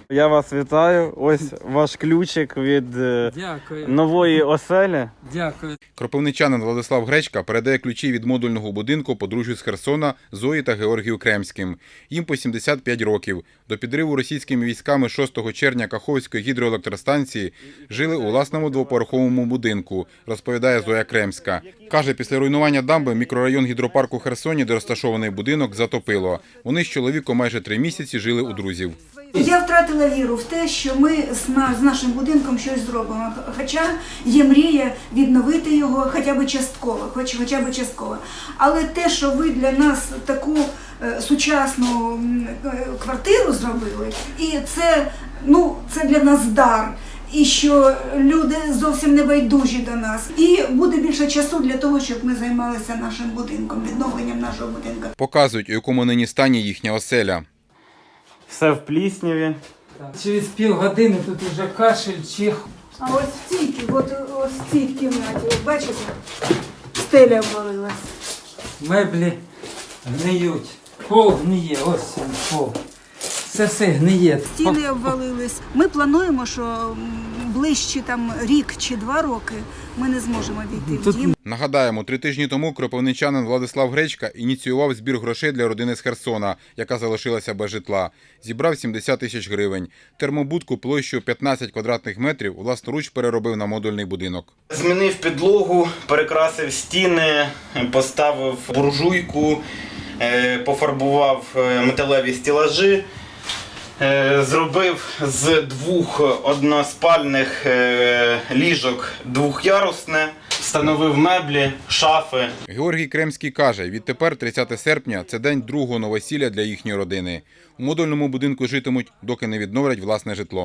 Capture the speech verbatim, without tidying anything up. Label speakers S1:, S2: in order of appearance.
S1: Я вас вітаю. Ось ваш ключик від е,
S2: Дякую.
S1: нової оселі.
S2: Дякую.
S3: Кропивничанин Владислав Гречка передає ключі від модульного будинку подружжю з Херсона Зої та Георгію Кремським. Їм по сімдесят п'ять років. До підриву російськими військами шостого червня Каховської гідроелектростанції жили у власному двоповерховому будинку, розповідає Зоя Кремська. Каже, після руйнування дамби мікрорайон гідропарку Херсоні, де розташований будинок, затопило. Вони з чоловіком майже три місяці жили у друзів.
S4: Я втратила віру в те, що ми з нашим будинком щось зробимо. Хоча є мрія відновити його хоча б частково, хоч, хоча б частково. Але те, що ви для нас таку е, сучасну е, квартиру зробили, і це, ну, це для нас дар. І що люди зовсім не байдужі до нас. І буде більше часу для того, щоб ми займалися нашим будинком, відновленням нашого будинку.
S3: Показують, у якому нині стані їхня оселя.
S1: Все в плісняві.
S2: Через півгодини тут уже кашель, чих.
S4: А ось в цій, от, ось в цій кімнаті, от бачите, стеля обвалилась.
S2: Меблі гниють. Пол гниє, ось він, пол. Це все гниє.
S4: Стіни обвалились. Ми плануємо, що м, ближче там рік чи два роки ми не зможемо війти в
S2: Тут
S4: дім.
S3: Нагадаємо, три тижні тому кропивничанин Владислав Гречка ініціював збір грошей для родини з Херсона, яка залишилася без житла. Зібрав сімдесят тисяч гривень. Термобудку площею п'ятнадцять квадратних метрів власноруч переробив на модульний будинок.
S5: Змінив підлогу, перекрасив стіни, поставив буржуйку, е, пофарбував е, металеві стелажі. Е, Зробив з двох односпальних е, ліжок двохярусне, встановив меблі, шафи.
S3: Георгій Кремський каже, відтепер тридцяте серпня – це день другого новосілля для їхньої родини. У модульному будинку житимуть, доки не відновлять власне житло.